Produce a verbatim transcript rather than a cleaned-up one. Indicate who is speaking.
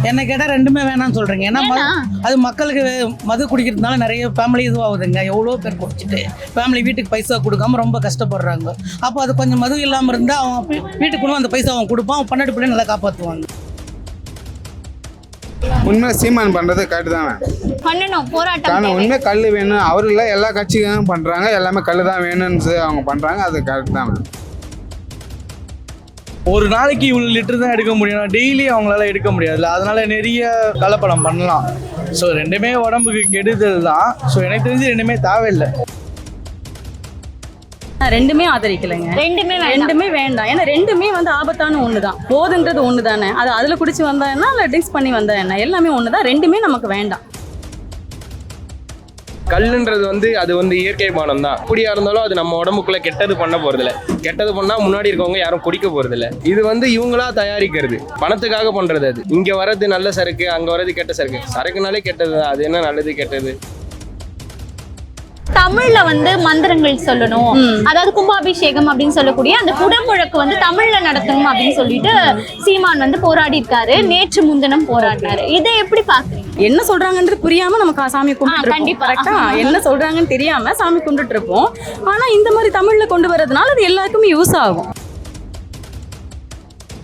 Speaker 1: என்ன கேட்டால் ரெண்டுமே வேணாம்னு சொல்கிறீங்க. ஏன்னா அது மக்களுக்கு மது குடிக்கிறதுனால நிறைய ஃபேமிலி இதுவாகுதுங்க. எவ்வளோ பேர் குடிச்சிட்டு ஃபேமிலி வீட்டுக்கு பைசா கொடுக்காம ரொம்ப கஷ்டப்படுறாங்க. அப்போ அது கொஞ்சம் மது இல்லாமல் இருந்தால் அவன் வீட்டுக்கு கொண்டு அந்த பைசா அவன் கொடுப்பான், அவன் பன்னெண்டு பிள்ளை நல்லா காப்பாற்றுவாங்க.
Speaker 2: உண்மை சீமான் பண்ணுறது கரெக்டு தானே,
Speaker 3: பண்ணணும் போராட்டம்.
Speaker 2: ஆனால் உண்மை கல் வேணும் அவரு இல்லை, எல்லா கட்சிகளும் பண்ணுறாங்க, எல்லாமே கல் தான் வேணும்னு அவங்க பண்ணுறாங்க, அது கரெக்ட் தானே.
Speaker 4: ஒரு நாளைக்கு இவ்வளோ லிட்டர் தான் எடுக்க முடியும், டெய்லி அவங்களால எடுக்க முடியாதுல்ல, அதனால நிறைய கலப்படம் பண்ணலாம். ஸோ ரெண்டுமே உடம்புக்கு கெடுதல் தான். ஸோ எனக்கு தெரிஞ்சு ரெண்டுமே தேவையில்லை.
Speaker 5: ரெண்டுமே ஆதரிக்கலைங்க,
Speaker 3: ரெண்டுமே
Speaker 5: ரெண்டுமே வேண்டாம். ஏன்னா ரெண்டுமே வந்து ஆபத்தான ஒன்று தான். போதுன்றது ஒன்று தானே, அது அதில் குடிச்சு வந்தா என்ன, இல்லை ட்ரிங்க்ஸ் பண்ணி வந்தா என்ன, எல்லாமே ஒன்று தான். ரெண்டுமே நமக்கு வேண்டாம்.
Speaker 6: கல்லுன்றது வந்து அது வந்து இயற்கை பானம் தான். அப்படியா இருந்தாலும் அது நம்ம உடம்புக்குள்ள கெட்டது பண்ண போறதில்ல. கெட்டது பண்ணா முன்னாடி இருக்கவங்க யாரும் குடிக்க போறதில்ல. இது வந்து இவங்களா தயாரிக்கிறது, பணத்துக்காக பண்றது. அது இங்க வர்றது நல்ல சரக்கு, அங்க வர்றது கெட்ட சரக்கு. சரக்குனாலே கெட்டது, அது என்ன நல்லது கெட்டது?
Speaker 3: தமிழ்ல வந்து மந்திரங்கள் சொல்லணும், அதாவது கும்பாபிஷேகம் அப்படின்னு சொல்லக்கூடிய அந்த குடமுழக்கு வந்து தமிழ்ல நடத்தணும் அப்படின்னு சொல்லிட்டு சீமான் வந்து போராடி இருக்காரு. நேற்று முன்தினம் போராடினாரு. இதை எப்படி பாக்குறீங்க?
Speaker 5: என்ன சொல்றாங்கன்றது புரியாம நம்ம சாமி கும்பிட்டு
Speaker 3: கண்டிப்பா
Speaker 5: கரெக்டா, என்ன சொல்றாங்கன்னு தெரியாம சாமி கும்பிட்டு இருப்போம். ஆனா இந்த மாதிரி தமிழ்ல கொண்டு வரதுனால அது எல்லாருக்குமே யூஸ் ஆகும்.